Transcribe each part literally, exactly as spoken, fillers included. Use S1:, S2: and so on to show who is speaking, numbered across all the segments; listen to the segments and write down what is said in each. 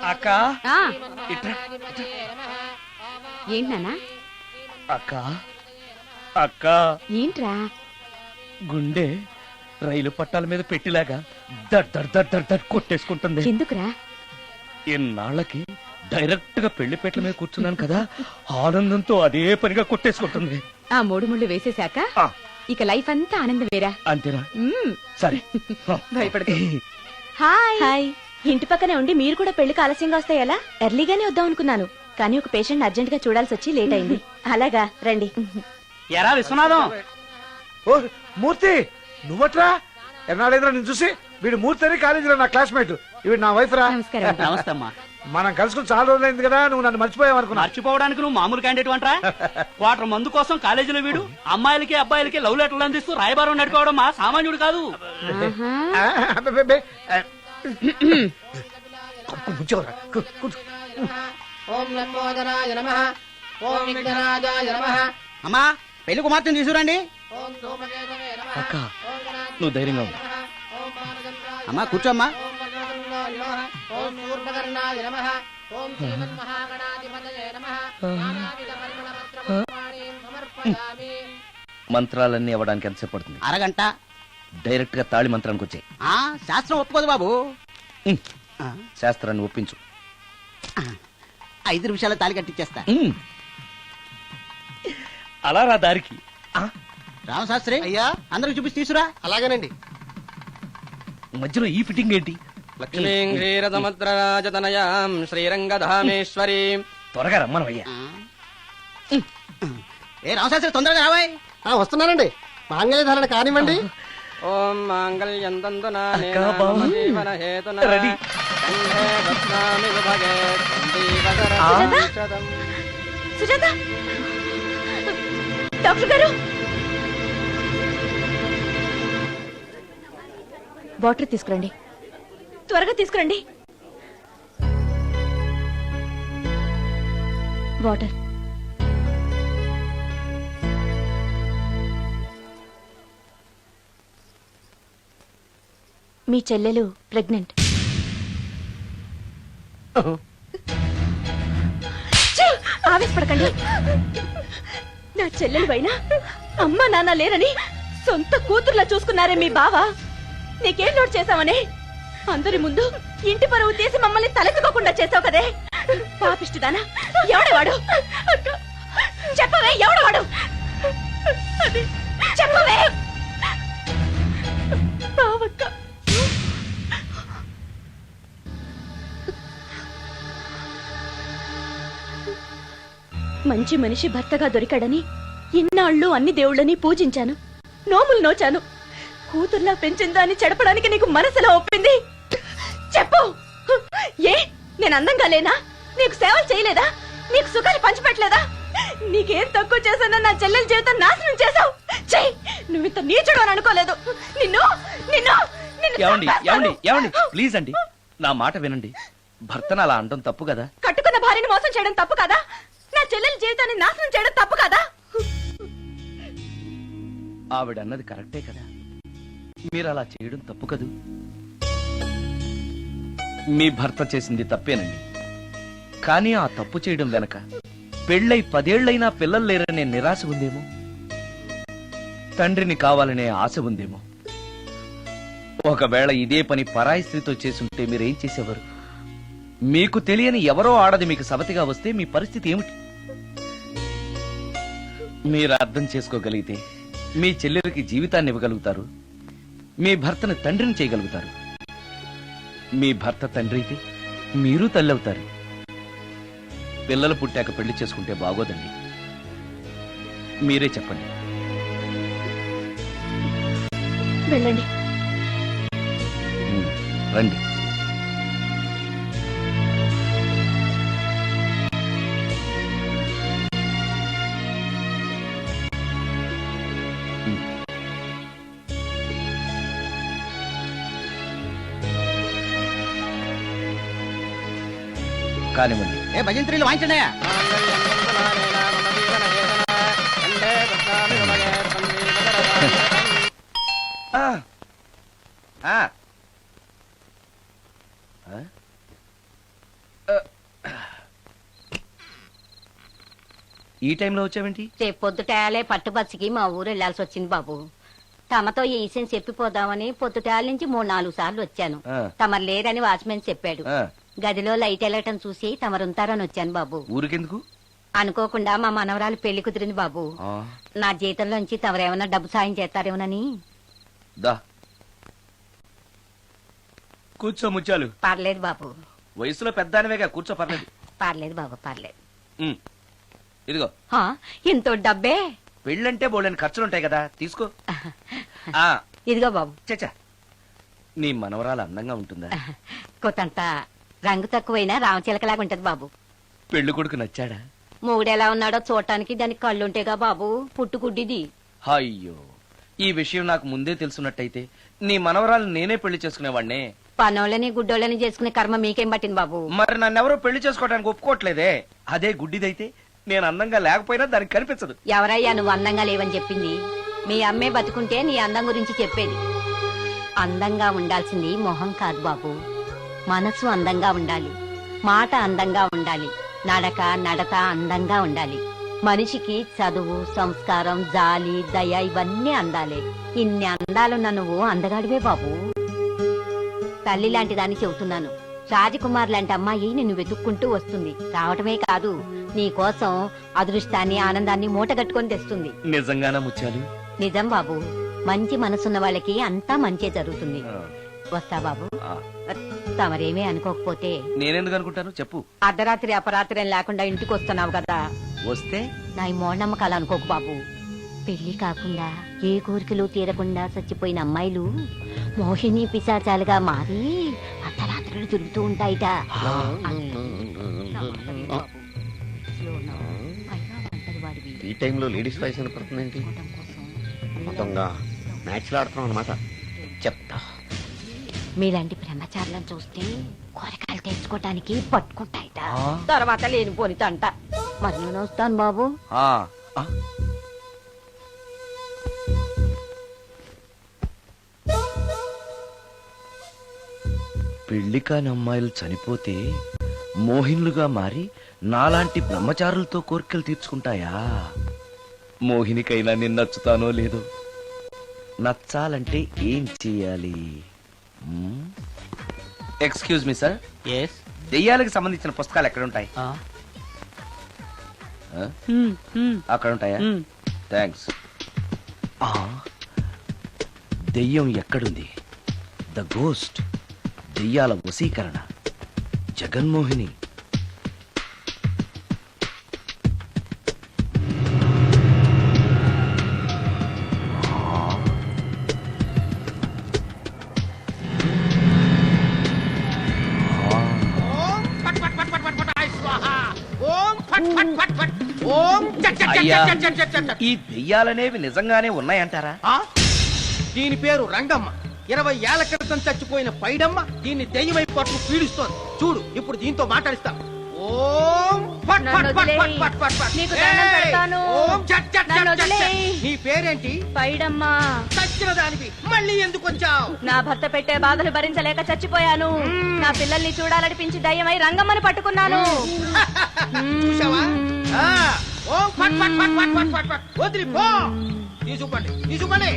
S1: అక్క
S2: ఏంటి నాన్నా?
S1: అక్క అక్క
S2: ఏంట్రా?
S1: గుండె రైలు పట్టాల మీద పెట్టిలాగా దడ్ దడ్ దడ్ దడ్ దడ్ కొట్టేసుకుంటుంది.
S2: ఎందుకురా?
S1: ఇన్నాళ్ళకి డైరెక్ట్ గా పెళ్లిపేటల మీద కూర్చున్నాను కదా, ఆనందంతో అదే పనిగా కొట్టేసుకుంటుంది.
S2: ఆ మూడు ముళ్ళు వేసేశాక ఇక లైఫ్ అంతా ఆనందం వేరా?
S1: అంతేనా? సరే
S2: భయపడకు. Hi hi. ఇంటి పక్కనే ఉండి మీరు కూడా పెళ్లికి ఆలస్యంగా వస్తే ఎలా? ఎర్లీగానే వద్దాం అనుకున్నాను, కానీ ఒక పేషెంట్ అర్జెంట్ గా చూడాల్సి వచ్చి లేట్ అయింది. అలాగా రండి.
S3: ఎరా విశ్వనాథం.
S4: ఓ మూర్తి, నువ్వట్రా? ఎన్నాళ్ళైందిరా నేను చూసి? వీడు మూర్తి అని కాలేజీలో నా క్లాస్మేట్, ఇవి నా వైఫ్ రా.
S2: నమస్కారం.
S3: నమస్తే అమ్మా.
S4: మనం కలుసుకుని చాలా రోజులైంది కదా, నువ్వు నన్ను మర్చిపోయావు అనుకున్నా.
S3: మర్చిపోవడానికి నువ్వు మామూలు క్యాండిడేట్ అంటరా? క్వార్టర్ మందు కోసం కాలేజీలో వీడు అమ్మాయిలకి అబ్బాయిలకి లవ్ లెటర్లు అందిస్తూ రాయబారం నడిపోవడం మా సామాన్యుడు కాదు. అమ్మా పెళ్లి కుమార్తెను తీసుకురండి.
S1: అక్క నువ్వు ధైర్యంగా ఉంది.
S3: అమ్మా కూర్చోమ్మా.
S1: మంత్రాలన్నీ అవ్వడానికి ఎంతసేపు పడుతుంది?
S3: అరగంట.
S1: డైరెక్ట్ గా తాళి మంత్రానికి వచ్చాయి.
S3: శాస్త్రం ఒప్పుకోదు బాబు.
S1: శాస్త్రాన్ని ఒప్పించు.
S3: ఐదు నిమిషాల తాళి కట్టించేస్తా.
S1: అలా రా దారికి.
S3: రామశాస్త్రి అయ్యా, అందరికి చూపించి తీసురా. అలాగేనండి.
S1: మధ్యలో ఈ ఫిట్టింగ్ ఏంటి?
S5: లక్ష్మీం క్షీరసముద్రరాజతనయాం శ్రీరంగధామేశ్వరి.
S1: త్వరగా రమ్మను అయ్యా.
S3: ఏ రామశాస్త్రి తొందరగా రావాయ్.
S4: వస్తున్నానండి. మాంగళ్య ధారణ కానివ్వండి.
S5: ఓం మాంగళ్యం తంతునా
S1: అక్కా, బావ.
S5: జీవన హేతునా
S1: రెడీ.
S5: కంఠే బధ్నామి విభగే సందీపకరం శతం.
S2: సుజాత డాక్టర్ గారు, వాటర్ తీసుకురండి. త్వరగా తీసుకురండి. వాటర్. మీ చెల్లెలు ప్రెగ్నెంట్. ఆవేశపడకండి. నా చెల్లెలు పైన అమ్మా నాన్న లేరని సొంత కూతుర్లా చూసుకున్నారే మీ బావ. నీకేం లోటు చేశావనే అందరి ముందు ఇంటి పరువు తీసి మమ్మల్ని తలెత్తుకోకుండా చేసావు కదే. పాపిష్టిదానా, ఎవడవాడు? చెప్పవే, ఎవడవాడు? చెప్పవే. బావక్క, మంచి మనిషి భర్తగా దొరికాడని ఇన్నాళ్ళు అన్ని దేవుళ్ళని పూజించాను, నోములు నోచాను. కూతుర్లా పెంచిందా అని చెడపడానికి నీకు మనసులో ఒప్పింది. చెప్పు, ఏ నేను అందంగా లేనా? నీకు సేవలు చేయలేదా? నీకు సుఖాలు పంచిపెట్టలేదా? నీకేం తక్కువ చేశానో నా చెల్లెల జీవితం నాశనం చేశావు. చెయ్యి, నువ్వు ఇంత నీచుడు అని అనుకోలేదు. నిన్ను నిన్ను
S1: ఏమండి ఏమండి ఏమండి ప్లీజ్ అండి, నా మాట వినండి. భర్తను అలా అనడం తప్పు కదా?
S2: కట్టుకున్న భార్యని మోసం చేయడం తప్పు కదా? నా చెల్లెల జీవితాన్ని నాశనం చేయడం తప్పు కదా?
S1: ఆవిడ అన్నది కరెక్టే కదా, మీరు అలా చేయడం తప్పు కదూ. మీ భర్త చేసింది తప్పేనండి, కానీ ఆ తప్పు చేయడం వెనక పెళ్ళై పదేళ్లైనా పిల్లలు లేరనే నిరాశ ఉందేమో, తండ్రిని కావాలనే ఆశ ఉందేమో. ఒకవేళ ఇదే పని పరాయి స్త్రీతో చేసుంటే మీరేం చేసేవారు? మీకు తెలియని ఎవరో ఆడది మీకు సవతిగా వస్తే మీ పరిస్థితి ఏమిటి? మీరు అర్థం చేసుకోగలిగితే మీ చెల్లెలకి జీవితాన్ని ఇవ్వగలుగుతారు, మీ భర్తను తండ్రిని చేయగలుగుతారు. మీ భర్త తండ్రి అయితే మీరు తల్లి అవుతారు. పిల్లలు పుట్టాక పెళ్లి చేసుకుంటే బాగోదండి. మీరే చెప్పండి.
S2: వెళ్ళండి.
S1: రండి. కానివ్వండి.
S3: ఏ భజంత్రీలు వాయించండి.
S1: ఈ టైంలో వచ్చావేంటి?
S6: రేపు పొద్దుటాలే పట్టుబచ్చికి మా ఊరు వెళ్లాల్సి వచ్చింది బాబు. తమతో ఈ విషయం చెప్పిపోదామని పొద్దుటాల నుంచి మూడు నాలుగు సార్లు వచ్చాను.
S1: ఆ.
S6: తమరు లేరని వాచ్మెన్ చెప్పాడు.
S1: ఆ,
S6: గదిలో లైట్ వెళ్ళటం చూసి తమరుంటారని వచ్చాను బాబు.
S1: ఊరికెందుకు?
S6: అనుకోకుండా మా మనవరాలు పెళ్లి కుదిరింది బాబు.
S1: ఆ,
S6: నా జీతంలోంచి తమరేమన్నా డబ్బు సాయం చేస్తారేమోనని.
S1: దా కూర్చో ముత్యాలు.
S6: పర్లేదు బాబు,
S1: వయసులో పెద్దానివేగా, కూర్చో, పర్లేదు.
S6: పర్లేదు బాబు, పర్లేదు.
S1: ఉమ్, ఇదిగో
S6: హా, ఇంతో డబ్బే.
S1: పెళ్ళంటే బోళ్ళని ఖర్చులుంటాయి కదా, తీసుకో. ఆ
S6: ఇదిగో బాబు.
S1: చచ్చా, నీ మనవరాలు అందంగా ఉంటుందా?
S6: కొత్తంత రంగు తక్కువైనా రామచిలకలాగా ఉంటది బాబు.
S1: పెళ్లి కొడుకు నచ్చాడా?
S6: మూడెలా ఉన్నాడో చూడటానికి దానికి కళ్ళుంటేగా బాబు, పుట్టుకుడ్డిది.
S1: అయ్యో, ఈ విషయం నాకు ముందే తెలుసున్నట్టయితే నీ మనవరాలు నేనే పెళ్లి చేసుకునేవాడినే.
S6: పనోళ్ళని గుడ్డోళ్ళని చేసుకునే కర్మ మీకేం పట్టింది బాబు?
S1: మరి నన్నెవరో పెళ్లి చేసుకోవడానికి ఒప్పుకోవట్లేదే. అదే గుడ్డిదైతే నేను అందంగా లేకపోయినా దానికి కనిపించదు.
S6: ఎవరయ్యా నువ్వు అందంగా లేవని చెప్పింది? మీ అమ్మే బతుకుంటే నీ అందం గురించి చెప్పేది. అందంగా ఉండాల్సింది మొహం కాదు బాబు, మనసు అందంగా ఉండాలి, మాట అందంగా ఉండాలి, నడక నడత అందంగా ఉండాలి. మనిషికి చదువు, సంస్కారం, జాలి, దయ ఇవన్నీ అందాలే. ఇన్ని అందాలున్న నువ్వు అందగాడివే బాబు. తల్లి లాంటి దాన్ని చెబుతున్నాను. రాజకుమార్ లాంటి అమ్మాయి నిన్ను వెతుక్కుంటూ వస్తుంది. రావటమే కాదు, నీ కోసం అదృష్టాన్ని, ఆనందాన్ని మూటగట్టుకొని తెస్తుంది.
S1: నిజంగానా ముత్యాలు?
S6: నిజం బాబు, మంచి మనసున్న వాళ్ళకి అంతా మంచే జరుగుతుంది.
S1: ఆ,
S6: వస్తా బాబు.
S1: ఆ.
S6: తమరేమీ అనుకోకపోతే.
S1: నేనెందుకు అనుకుంటాను, చెప్పు.
S6: అర్ధరాత్రి అపరాత్రి అని లేకుండా ఇంటికి వస్తున్నావు కదా,
S1: వస్తే
S6: నా ఈ మూఢనమ్మకాలు అనుకోకు బాబు. పెళ్లి కాకుండా ఏ కోరికలు తీరకుండా చచ్చిపోయిన అమ్మాయిలు మోహిని పిశాచాలుగా మారి అర్ధరాత్రులు తిరుగుతూ ఉంటాయిట.
S7: ఈ టైంలో లేడీస్ వాయిస్ వినపడుతుందేంటి? మొత్తంగా మ్యాచ్లు ఆడుతున్నాం అనమాట. చెప్తా.
S6: మీలాంటి బ్రహ్మచారులను చూస్తే కోరికలు తెచ్చుకోవటానికి పట్టుకుంటాయిట.
S1: ఆ?
S6: తర్వాత లేనిపోని తంట. మరి నేను వస్తాను బాబు.
S1: ఆ, ఆ. పెళ్లి కాని అమ్మాయిలు చనిపోతే మోహినులుగా మారి నాలాంటి బ్రహ్మచారులతో కోరికలు తీర్చుకుంటాయా? మోహినికైనా నేను నచ్చుతానో లేదో. నచ్చాలంటే ఏం చెయ్యాలి? Excuse me sir,
S3: yes.
S1: దెయ్యాలకు సంబంధించిన పుస్తకాలు ఎక్కడ ఉంటాయి? ఆ? అక్కడ ఉంటాయా? థ్యాంక్స్. దెయ్యం ఎక్కడుంది? ద గోస్ట్, దెయ్యాల వశీకరణ, జగన్మోహిని. అయ్యా, ఈ దెయ్యాలనేవి నిజంగానే ఉన్నాయంటారా?
S8: దీని పేరు రంగమ్మ. ఇరవై ఏళ్ల క్రితం చచ్చిపోయిన పైడమ్మ దీన్ని దెయ్యమై పట్టు పీడిస్తోంది. చూడు, ఇప్పుడు దీంతో మాట్లాడిస్తాం. ఓం ఫట్ ఫట్ ఫట్ ఫట్ ఫట్ ఫట్ ఫట్.
S2: నీకు దండం పెడతాను.
S8: ఓం చట్ చట్
S2: నన్ను
S8: చట్ చట్.
S2: వదిలేయ్.
S8: నీ పేరేంటి?
S2: పైడమ్మా.
S8: చచ్చిన దానివి మళ్ళీ ఎందుకు వచ్చావు?
S2: నా భర్త పెట్టే బాధలు భరించలేక చచ్చిపోయాను. నా పిల్లల్ని చూడాలనిపించి దయ్యమై రంగమ్మని పట్టుకున్నాను.
S8: చూసావా? ఆ, ఓం ఫట్ ఫట్ ఫట్ ఫట్ ఫట్ ఫట్ ఫట్. వదిలి పో. తీసుకుపండి, తీసుకుపండి.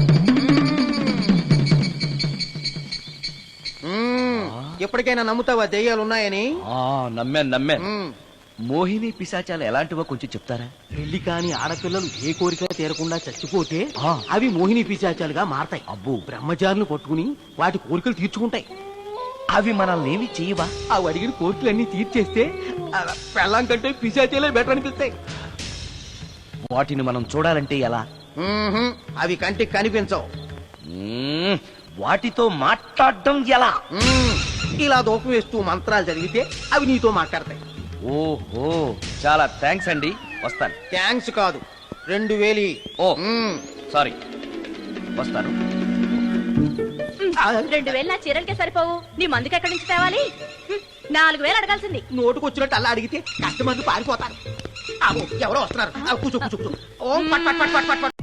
S8: ఎప్పటికైనా నమ్ముతావా దెయ్యాలు ఉన్నాయని?
S1: ఆ, నమ్మాను నమ్మాను.
S8: మ్మ్.
S1: మోహిని పిశాచాలు ఎలాంటివో కొంచెం చెప్తారా?
S8: పెళ్లి కాని ఆడపిల్లలు ఏ కోరిక తీరకుండా చచ్చిపోతే
S1: ఆ.
S8: అవి మోహిని పిశాచాలుగా మారతాయి.
S1: అబ్బో,
S8: బ్రహ్మచారులు పట్టుకుని వాటి కోరికలు తీర్చుకుంటాయి.
S1: అవి మనల్ని ఏమి చేయవా?
S8: అవి అడిగిన కోరికలన్నీ తీర్చేస్తే ఆ, పెళ్ళాం కంటే పిశాచాలే బెటర్ అనిపిస్తాయి.
S1: వాటిని మనం చూడాలంటే ఎలా?
S8: మ్మ్హ్మ్. అవి కంటికి కనిపించవు.
S1: మ్మ్, వాటితో మాట్లాడడం ఎలా?
S8: మ్మ్. ఇలా దూపం వేస్తూ మంత్రాలు చదివితే అవి నీతో మాట్లాడతాయి.
S1: ఓహో, చాలా థ్యాంక్స్ అండి, వస్తాను.
S8: థ్యాంక్స్ కాదు, రెండు వేలి.
S1: ఓ
S8: మ్మ్.
S1: సారీ, వస్తాను.
S2: రెండు వేలు నా చీరలకే సరిపోవు. నీ మందుకి ఎక్కడి నుంచి తేవాలి? హ్మ్, నాలుగు వేలు అడగాల్సింది.
S8: నోటుకు వచ్చినట్టు అలా అడిగితే కస్టమర్లు పారిపోతారు. అబ్బో, ఎవరో వస్తున్నారు. ఆ, కూర్చో కూర్చో కూర్చో. ఓం పట్ పట్ పట్ పట్ పట్ పట్.